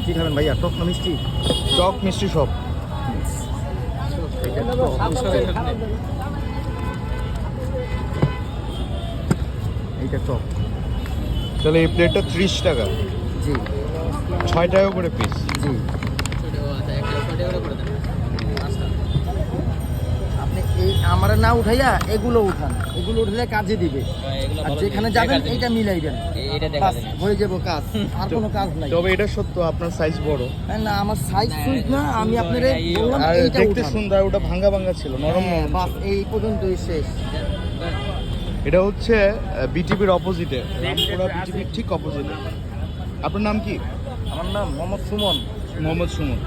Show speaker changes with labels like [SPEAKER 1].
[SPEAKER 1] কি খাবেন ভাইয়া, টক না মিষ্টি?
[SPEAKER 2] টক মিষ্টি সব।
[SPEAKER 1] এইটা টক।
[SPEAKER 2] তাহলে এই প্লেটটা 30 টাকা,
[SPEAKER 1] জি
[SPEAKER 2] 6 টাকা করে পিস।
[SPEAKER 1] জি। আপনি এই আমার না উঠাইয়া এগুলো উঠান, এগুলো উঠলে কাজে দিবে। আর যেখানে যাবেন এইটা মিলাইবেন, বাস হয়ে যাবো কাজ, আর কোনো কাজ নাই।
[SPEAKER 2] তবে এটা সত্য আপনার সাইজ বড়।
[SPEAKER 1] না আমার সাইজ সুইজ না, আমি আপনারে বললাম
[SPEAKER 2] আর
[SPEAKER 1] এইটা
[SPEAKER 2] দেখতে
[SPEAKER 1] উঠান।
[SPEAKER 2] সুন্দর, ওটা ভাঙা ভাঙা ছিল, নরম
[SPEAKER 1] হ্যাঁ,
[SPEAKER 2] নরম
[SPEAKER 1] বাস
[SPEAKER 2] ছিল।
[SPEAKER 1] এই পর্যন্তই শেষ।
[SPEAKER 2] এটা হচ্ছে বিটিপির অপোজিটে, রামপুরা বিটিপির ঠিক অপোজিটে। আপনার নাম কি?
[SPEAKER 1] আমার নাম মোহাম্মদ সুমন।
[SPEAKER 2] মোহাম্মদ সুমন।